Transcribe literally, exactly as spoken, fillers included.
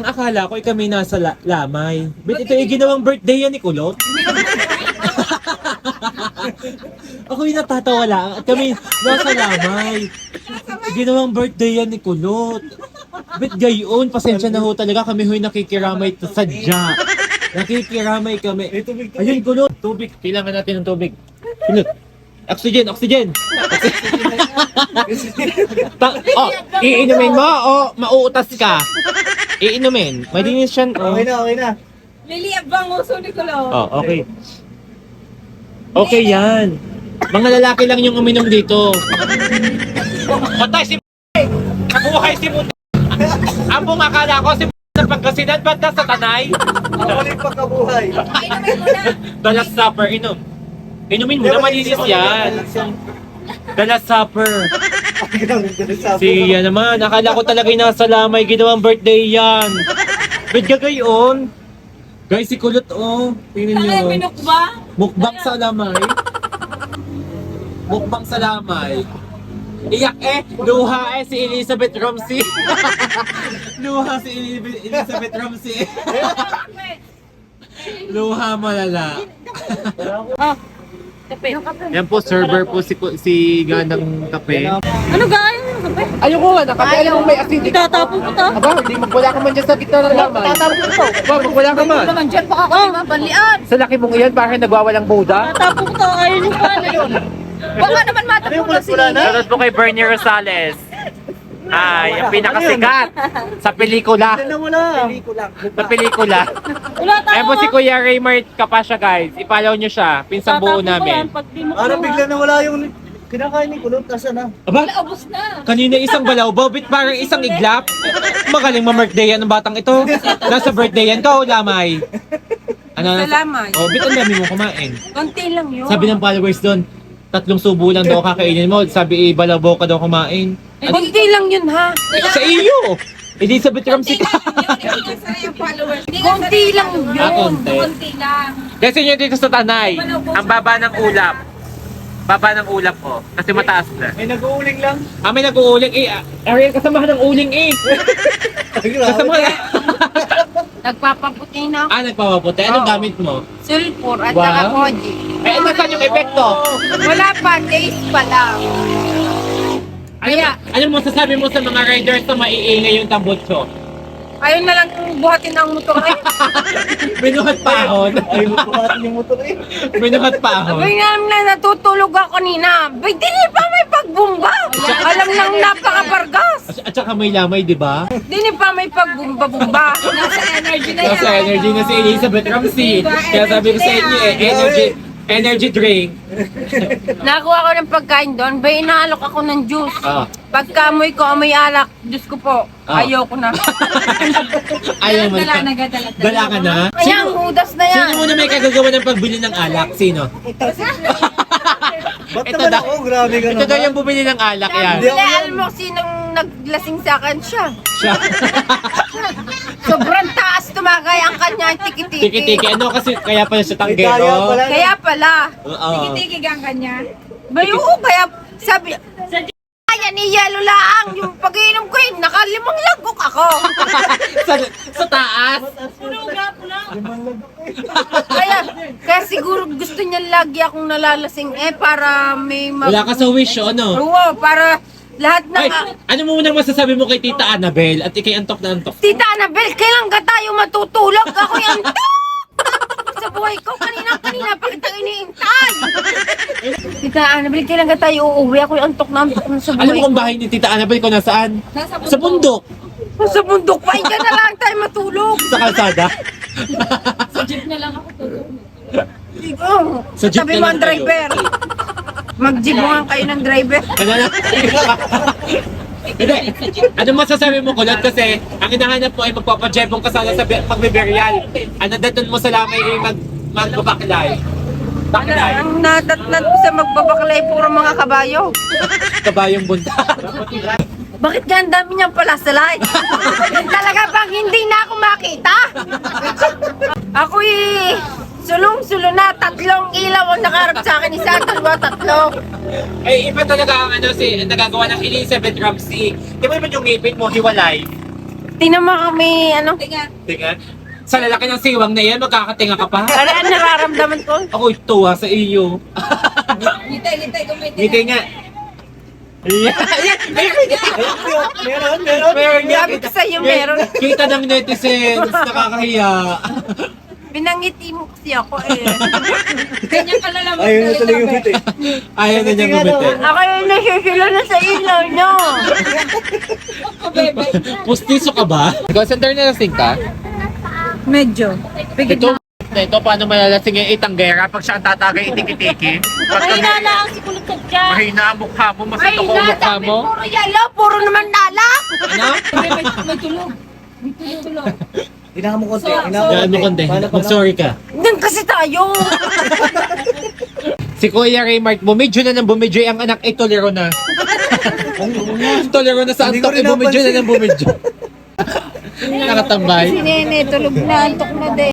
Ang akala ko ay kami nasa la lamay. Bet ito yung ginawang birthday yan ni Kulot. Ako yung natatawa lang at kami nasa lamay. Ginawang birthday yan ni Kulot. Bet gayon, pasensya na ho talaga kami ho'y nakikiramay sadya. Nakikiramay kami. Ayun Kulot, tubig. Kailangan natin ng tubig. Kulot. Oxygen, oxygen. Ta- oh, iinumin mo o mauutas ka? Iinumin. Malinis siya. Oh. Okay na, okay na. Liliab bang uso ni Kulo? Oh, okay. Okay yan. Mga lalaki lang yung uminom dito. Patay si Nabuhay si Muti. Ang buong akala ko si sa Pangasinan, ba't nasa Tanay? Ako rin pagkabuhay. Inumin mo na. The Last Supper, inom. Inumin mo na, malinis yan. The Last Supper. Si yan naman, akala ko talaga yung nasa lamay, ginawang birthday yan. Ba't gagayon? Guys, si Kulot oh. Tingnan nyo. Ano yung binukba? Mukbang sa lamay. Mukbang sa lamay. Iyak eh, luha eh si Elizabeth Romsey. Luha si Eli- Elizabeth Romsey. Luha malala. Oh, kape. Yan po, server po si si Ganang Kape. Ano gaya yung kape? Ayoko nga, nakape alam mo may asin. Itatapon ko to. Aba, hindi magwala ka man dyan sa gitna ng lamay. Tatapon ko to. Aba, magwala ka man. Naman dyan, baka kami mapalian. Sa laki mong iyan, bakit nagwawalang buda? Tatapon ko to, ayun yung pala yun. Baka naman matapunan si Nini. Shoutout po kay Bernie Rosales. Ay, ang pinakasikat sa pelikula. Ano mo na? Sa pelikula. Wala tayo. Ayan po si Kuya Raymart Kapasya guys. I-follow nyo siya. Pinsang buo namin. Ano bigla na wala yung kinakain ni Kulot. Nasa na? Aba, Wala, ubos na. kanina isang balawbaw, bit parang isang iglap. Magaling ma-birthday yan ng batang ito. Nasa birthday yan ka o lamay? Ano, nasa- Salamay. Oh, bit ang dami mo kumain. Konti lang yun. Sabi ng followers doon, tatlong subo lang daw kakainin mo. Sabi, balawbaw ka daw kumain. Konti lang yun ha. Sa iyo! Elizabeth Ramsey ka. Konti lang yun. Ah, konti. Konti lang. Kasi nyo dito sa Tanay, ang baba ng ulap. Baba ng ulap ko. Kasi mataas na. May nag-uuling lang. Ah, may nag-uuling eh. Ah, Ariel, kasamahan ng uling eh. Kasamahan. Nagpapaputi na ako. Ah, nagpapaputi. Anong Oo. gamit mo? Sulfur at Wow. saka koji. Eh, ano saan yung epekto? Wala pa, days pa lang. Ano, Kaya- ano mo sasabi mo sa mga riders na maiingay yung tambutso? Ayun na lang buhatin ang motor eh. Binuhat paahon. Ay, magbuhatin yung motor eh. Binuhat paahon. Abay nga na natutulog ako kanina. Bay, di ni pa may pagbumba. Alam nang napakabargas. At, at saka may lamay, di ba? Di ni pa may pagbumba-bumba. Nasa energy na Nasa energy na si Elizabeth Ramsey. Kaya sabi ko sa inyo eh, energy, energy drink. Nakuha ko ng pagkain doon. Bay, inaalok ako ng juice. Ah. Pagkamoy ko, amoy alak. Diyos ko po, Ah. ayoko na. Ayaw mo na. Dala ka na? Kaya ang hudas na yan. Sino muna may kagagawa ng pagbili ng alak? Sino? Ba't Ito naman daw. ako? Grabe ka Ito daw naman. yung bumili ng alak yan. Hindi ako Hindi, yan. alam mo sinong naglasing sa akin siya. Siya. Sobrang taas tumakay ang kanya tiki-tiki. Tiki-tiki. Ano kasi kaya pala siya Kaya tanggero? pala. Kaya pala. Oo. Tiki-tiki ang kanya. Bay, oo, kaya sabi, kaya ni Yelo lang. Yung pag-iinom ko yun, nakalimang lagok ako. sa, sa taas. Kaya, kaya siguro gusto niya lagi akong nalalasing eh para may mag... Wala ka sa wish, o ano? Oo, para lahat ng... Ay, ano mo munang masasabi mo kay Tita Annabel at ikay antok na antok? Tita Annabel, kailan ka tayo matutulog? Ako yung sa buhay ko. Kanina-kanina pa kitang iniintay. Tita Annabel, kailan ka tayo uuwi? Ako yung antok na antok na sa Alam mo buhay kung bahay ni Tita Annabel kung nasaan? Sa bundok. ko. Sa bundok pa, hindi na lang tayo matulog. Sa kalsada. Oh, Sa jeep tabi na mo lang ang kayo. driver. Mag-jeepongan kayo ng driver. Ano na? Hindi. Ano masasabi mo, Kulot? Kasi ang hinahanap mo ay magpapajebong ka sana sa bi- pagbiberyal. Ano daton mo sa lamay ay mag magbabaklay. Baklay. Ang natatnat ko sa magbabaklay puro mga kabayo. Kabayong bunda. Bakit ka ang dami niyang pala sa light? Talaga bang hindi na ako makita? Ako eh, sulong-sulo na, tatlong ilaw ang nakaharap sa akin. Isa, dalawa, tatlo. Eh, iba talaga ang ano si nagagawa ng Elizabeth Ramsey. Di ba naman yung ngipin mo, hiwalay? Tingnan mo kami, ano? Tingnan. Sa lalaki ng siwang na yan, magkakatinga ka pa. Ano ang nararamdaman ko? Ako tuwa sa iyo. Litay, litay, kumiti. Ngiti nga. Ayan, ayan, meron nga. Meron, meron. Meron nga. Sabi ko sa'yo, meron. Kita ng netizens, nakakahiya. Binangiti mo kasi ako eh. Ganyan ka lang naman. Ayun na tuloy yung hit eh. Ayaw na niya gumiti. Ako yung nasusula na sa ilaw nyo. Ako, bebe. Pustiso ka ba? Ikaw, center na lasing ka? Medyo. Ito, ito, paano malalasing yung itanggera pag siya ang tatagay itiki-tiki? Mahina na ang sikulot ka dyan. Mahina ang mukha mo, Ay, masito ko ang mukha sabi mo. puro yellow, puro naman lala. Ano? May, may, may tulog. May tulog, tulog. Hinaka mo konti. So- Hinaka mo Yan mo konti. Paano, paano? Mag-sorry ka. Doon kasi tayo. Si Kuya Raymart, bumidyo na ng bumidyo. Ang anak ay tolero na. Tolero na sa Hindi ko antok, rin eh, bumidyo na napansin. ng bumidyo. Nakatambay. Si Nene, tulog na, antok na din.